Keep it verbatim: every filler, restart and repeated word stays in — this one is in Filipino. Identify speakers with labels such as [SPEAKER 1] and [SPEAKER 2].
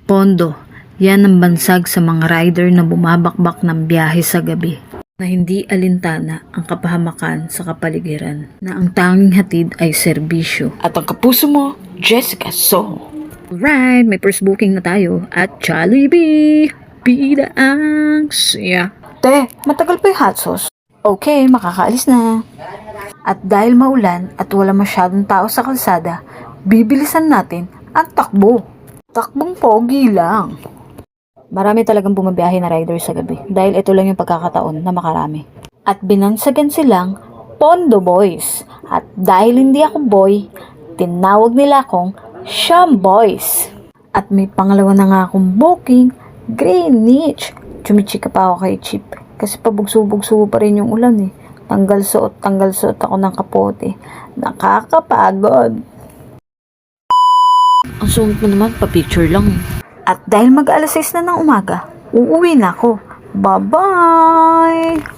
[SPEAKER 1] Pondo, yan ang bansag sa mga rider na bumabakbak ng biyahe sa gabi. Na hindi alintana ang kapahamakan sa kapaligiran. Na ang tanging hatid ay serbisyo.
[SPEAKER 2] At ang kapuso mo, Jessica So.
[SPEAKER 1] Alright, may first booking na tayo at Jollibee. Bida ang siya.
[SPEAKER 2] Te, matagal pa yung hot sauce. Okay, makakaalis na.
[SPEAKER 1] At dahil maulan at wala masyadong tao sa kalsada, bibilisan natin ang takbo.
[SPEAKER 2] Takbong pogi lang.
[SPEAKER 1] Marami talagang bumabiyahe na rider sa gabi dahil ito lang yung pagkakataon na makarami. At binansagan silang Pondo Boys. At dahil hindi ako boy, tinawag nila akong Sham Boys. At may pangalawa na nga akong booking, Greenwich. Chumichika pa ako kay Chip kasi pabugso-bugso pa rin yung ulan eh. Tanggal suot, tanggal suot ako ng kapote. Nakakapagod. Ang sungit mo naman, pa-picture lang eh. At dahil mag-alas sais na ng umaga, uuwi na ako. Bye-bye!